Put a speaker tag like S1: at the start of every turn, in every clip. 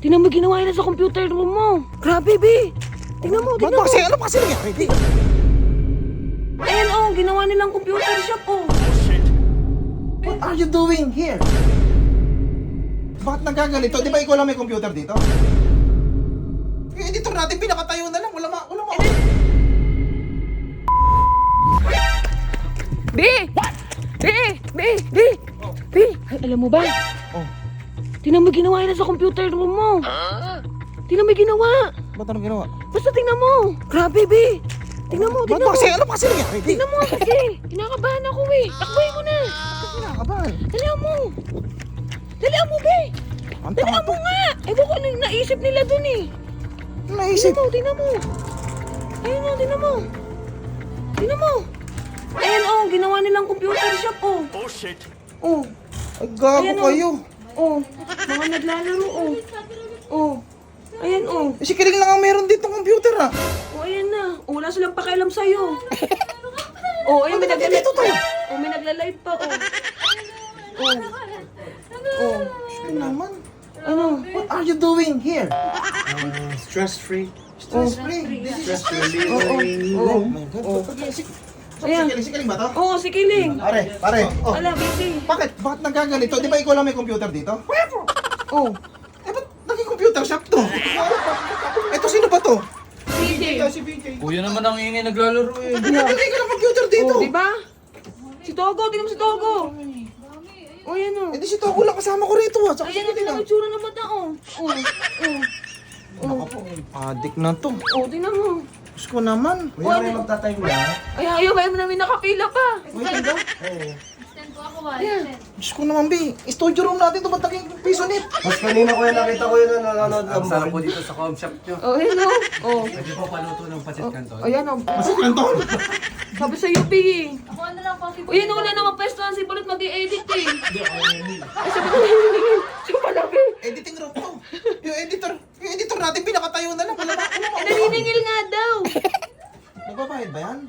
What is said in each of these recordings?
S1: Tingnan mo ginawa nila sa computer room mo. Grabe, B. Tingnan mo, tingnan mo.
S2: Ano pa kasi nangyari, B?
S1: Ayan, oh, ginawa nilang computer shop, oh.
S2: What are you doing here? Bakit nagaganito? Di ba ikaw lang may computer dito? Yung editor natin, pinakatayo na lang. Wala ma...
S1: B! B! B! B! B! Ay, alam mo ba?
S2: Oh,
S1: Tingnan mo ginawa nila sa computer room mo. Tingnan mo ginawa.
S2: ba't anong ginawa?
S1: Basta tingnan mo. Grabe, B. Tingnan mo, tingnan mo.
S2: Ano pa kasi nangyari, B?
S1: Tingnan mo kasi. Kinakabahan ako, eh. Takboy mo na.
S2: Kinakabahan.
S1: Dalihan mo. Dalihan mo, B.
S2: Ang
S1: Dalihan
S2: tama
S1: mo nga. Ewan ko ano yung naisip nila dun, eh.
S2: Ano naisip?
S1: Tingnan mo. Ayun, oh, tingnan mo. Tingnan mo. Ayan, oh, ginawa nilang computer shop, oh.
S3: Oh shit.
S1: Oh,
S2: Ay, gago
S1: Ayan, oh.
S2: kayo.
S1: oh. Mga naglalaro, oh. Oh. Ayan, oh.
S2: Si Kiring lang ang meron dito computer, ah.
S1: Oh, ayan na. Oh, wala silang pakialam sa'yo. Oh, ayun, may nagla-live pa. Oh, may nagla-live pa, oh. Oh. Oh.
S2: Ito naman.
S1: Ano?
S2: What are you doing here?
S3: Stress-free.
S2: Stress free.
S3: Stress relieving.
S2: Oh my God.
S1: Ayan.
S2: Si Kiring ba to?
S1: Oo, si Kiling.
S2: Pare. Oh.
S1: Wala, busy.
S2: Bakit nagaganito? Di ba ikaw lang may computer dito?
S1: Oh,
S2: Eh, ba't naging computer shop to? Eto, sino ba to?
S1: CJ.
S2: Si BJ.
S4: Kuya naman ang ingay naglalaro eh.
S2: Naging ka ng computer dito.
S1: Oh, di ba? Si Togo, tingnan mo si Togo. Oh, yan, oh.
S2: Eh, di si Togo lang kasama ko rito, ah. Saka
S1: Ayan, tingnan mo yung tsura ng mata, oh. Oh, oh.
S2: Ako po, adik na to.
S1: Oh, tingnan mo.
S2: Diyos ko naman.
S1: Oh, ano?
S3: Magtatime na.
S1: Ay, ayaw, ayaw namin nakapila pa.
S2: Wait, ba?
S1: Ayan.
S2: Diyos ko naman, B. Studio room natin to, ba't naging piso net?
S3: Mas kanina ko yan nakita ko yun na nanonood ng sarap po dito sa com shop nyo.
S1: Oh, hello. Oh.
S4: Pwede po paluto ng pasit kanton.
S1: Ayan, oh.
S2: Kasi kanton.
S1: Sabi sa UP, eh. Ako na lang po si Uy, yun wala naman pwesto na si Bullet mag-i-edit, eh. Ay, sabi ko, siya pala, eh.
S2: Editing room to. Yung editor natin, pinakatayo na lang. Wala ma...
S1: Eh, naniningil nga daw.
S2: Nagbabayad ba yan?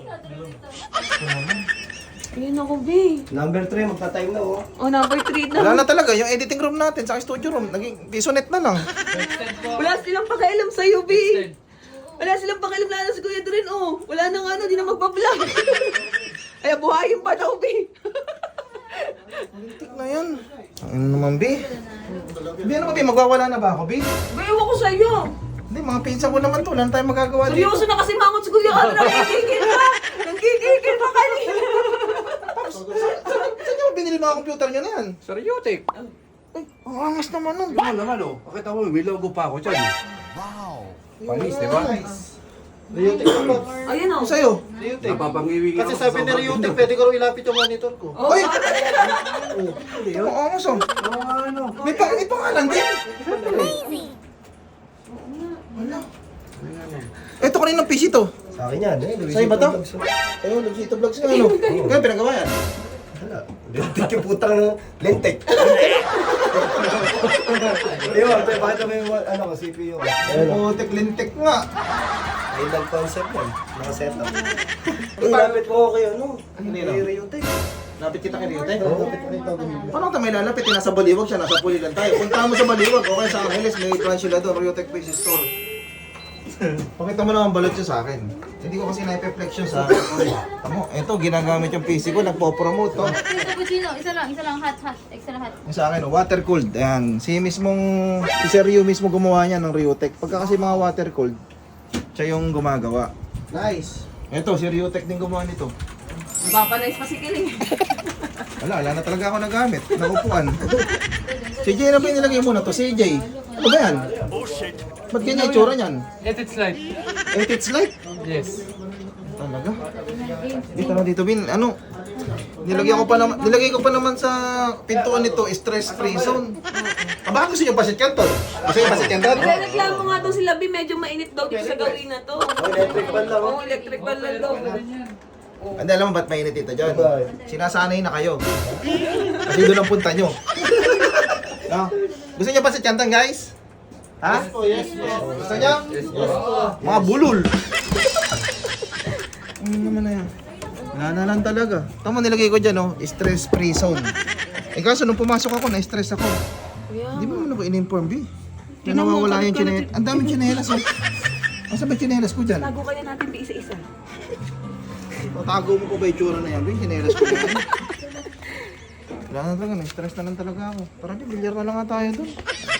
S1: Ayun ako, B.
S3: Number 3, magta-time na oh.
S1: Oh, number 3
S2: Wala
S1: na.
S2: na talaga. Yung editing room natin sa studio room, naging piso net na lang.
S1: Wala silang pakialam sa'yo, B. Wala silang pakialam na si Kuya Dren, oh. Wala na nga na, di na magpa-vlog. Ay, buhayin pa daw, B.
S2: Tik na yan. Ano naman, B? B, ano ba, B? Magwawala na ba ako, B?
S1: Ba, ewan ko sa'yo.
S2: Hindi, mga pinsa ko naman to. Wala na tayong magagawa dito.
S1: Seryoso na kasi mangot si Kuya Dren. Nagkikikil pa. Nagkikikil pa kanina.
S2: Saan nyo binili mga computer nyo na yan?
S4: Sa Riotic.
S2: Ay, ang angas naman nun.
S4: Yung naman oh. Pakita mo, may logo pa ako dyan. Panis, di ba?
S3: Riotic ako.
S1: Ayun, oh.
S2: Ano sa'yo?
S3: Riotic.
S4: Napapangiwing
S3: Kasi sabi ni Riotic, pwede ko rin ilapit yung monitor ko.
S1: Oh,
S2: Ay! Ang angas oh.
S4: ano?
S2: May pangalan din. Wala. Ito kanina ng PC to.
S3: Sa akin yan eh.
S2: Sa'yo ba to? Ayun, Luisito Vlogs nga ano. Kaya pinagawa yan.
S3: Wala. Lentek yung putang lentek. Di ba? Bakit naman yung ano ko, CPU ko? Ayun o.
S2: Putek lintek nga.
S3: Ayun ang concept yan. Naka-setup. Ilapit mo ako kayo, no?
S2: Ano yun,
S3: Kay
S2: no?
S3: Riotic.
S2: Lapit kita kay Riote.
S3: Oo, lapit ko ito.
S2: Paano tayo may lalapit? Nasa Baliwag siya, nasa Pulilan tayo. Punta mo sa Baliwag, okay sa Angeles, may branch sila doon, Riotech Face Store. Pakita mo naman balot siya sa akin. Hindi ko kasi na-reflex yun sa akin. Tamo, eto, ginagamit yung PC ko, nagpo-promote to.
S5: Ito cappuccino, isa lang hot, extra hot.
S2: Yung sa akin, water cooled. Ayan, si Sir Yu mismo gumawa niya ng Riotech. Pagka kasi mga water cooled, siya yung gumagawa. Nice. Eto, si Riotech din gumawa nito.
S1: Papanayos pa si Kiling.
S2: Wala na talaga ako nagamit. Nakupuan. CJ na ba yung nilagay mo na to? CJ. Ano ba yan? Ba't ganyan itsura niyan?
S4: Edit slide.
S2: It's like?
S4: Yes.
S2: Talaga? Dito, Bin. Ano? Nilagay ko pa naman sa pintuan nito, stress-free zone. Baka gusto niyo pasit kanton? Gusto niyo pasit kanton?
S1: Nagreklamo nga daw sila, B, medyo mainit daw dito sa gawin na to.
S3: Electric fan lang.
S1: Oo, electric fan lang daw.
S2: Hindi, alam mo ba't mainit dito dyan? Sinasanay na kayo. Kasi doon ang punta nyo. No? Gusto niyo pasit kanton, guys? Ha?
S3: Yes po.
S2: Gusto niyo? Mga bulol. Ano naman na yan? Wala na lang talaga. Tama, nilagay ko dyan, oh. Stress-free zone. Eh kaso, nung pumasok ako, na-stress ako.
S1: Kuya.
S2: Hindi mo naman ako in-inform, B. Na nawawala yung chinelas. Ang daming chinelas oh. Asa ba chinelas ko dyan?
S1: Tago kaya natin pa isa-isa.
S2: Tago mo ko ba yung tsura na yan? Yung chinelas ko na yan. Wala na talaga, stress na lang talaga ako. Tara di, bilyar na lang nga tayo doon.